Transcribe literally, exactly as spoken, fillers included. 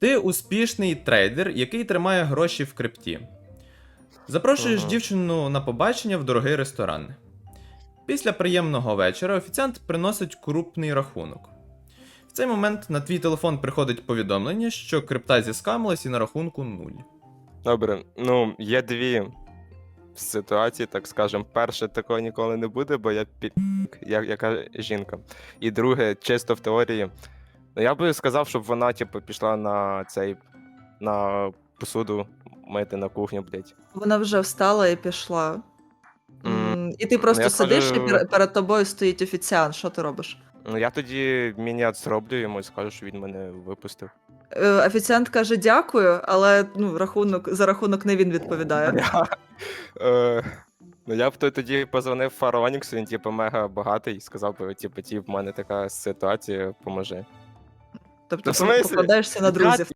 Ти успішний трейдер, який тримає гроші в крипті. Запрошуєш Ага. дівчину на побачення в дорогий ресторан. Після приємного вечора офіціант приносить крупний рахунок. В цей момент на твій телефон приходить повідомлення, що крипта зіскамилась і на рахунку нуль. Добре, ну, є дві ситуації, так скажемо. Перше, такого ніколи не буде, бо я під... як, яка жінка. І друге, чисто в теорії. Ну, я би сказав, щоб вона, типу, пішла на цей, на посуду мити на кухню, блядь. Вона вже встала і пішла. М, М, І ти просто я сидиш, і скажу- пер- перед тобою стоїть офіціант. Що ти робиш? Ну, я тоді мінет зроблю йому і скажу, що він мене випустив. Е, Офіціант каже дякую, але ну, рахунок, за рахунок не він відповідає. Я, е, ну, я б то- тоді позвонив Фароніксу, він, типу, мега багатий, сказав би, типу, ті, в мене така ситуація, поможи. Тобто в смислі? покладаєшся на Я, друзів.